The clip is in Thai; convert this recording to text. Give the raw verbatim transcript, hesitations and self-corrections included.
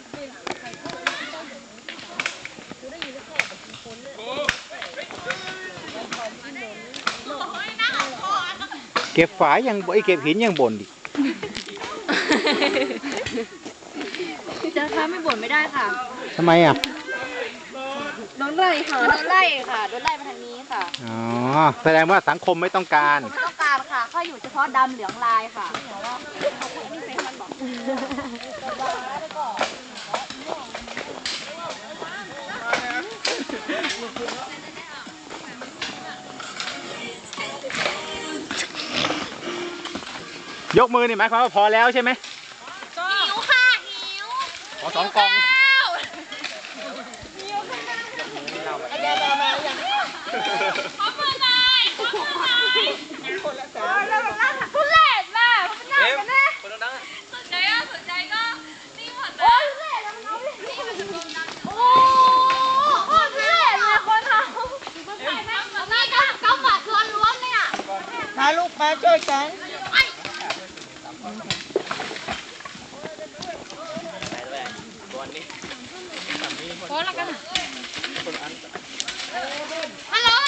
เก็บฝายยังไอเก็บหินยังบ่นดิจะท้าไม่บ่นไม่ได้ค่ะทำไมอ่ะโดนไล่ค่ะโดนไล่ค่ะโดนไล่มาทางนี้ค่ะอ๋อแสดงว่าสังคมไม่ต้องการไม่ต้องการค่ะเขาอยู่เฉพาะดำเหลืองลายค่ะยกมือนี่หมายความว่าพอแล้วใช่ไหมหิวค่ะหิวขอสองกล่องขอมือหน่อยขอมือหน่อยคนละสามแล้วแบบนั่งทุเรศมากมันน่ากันแน่คนดังสนใจก็สนใจก็นี่หมดเลยโอ้ยทุเรศแล้วมันเอาเลยโอ้โหทุเรศเลยคนทำนี่ก็เก้าบาทล้วนๆเลยอ่ะพาลูกมาช่วยกันพอแล้วกันให้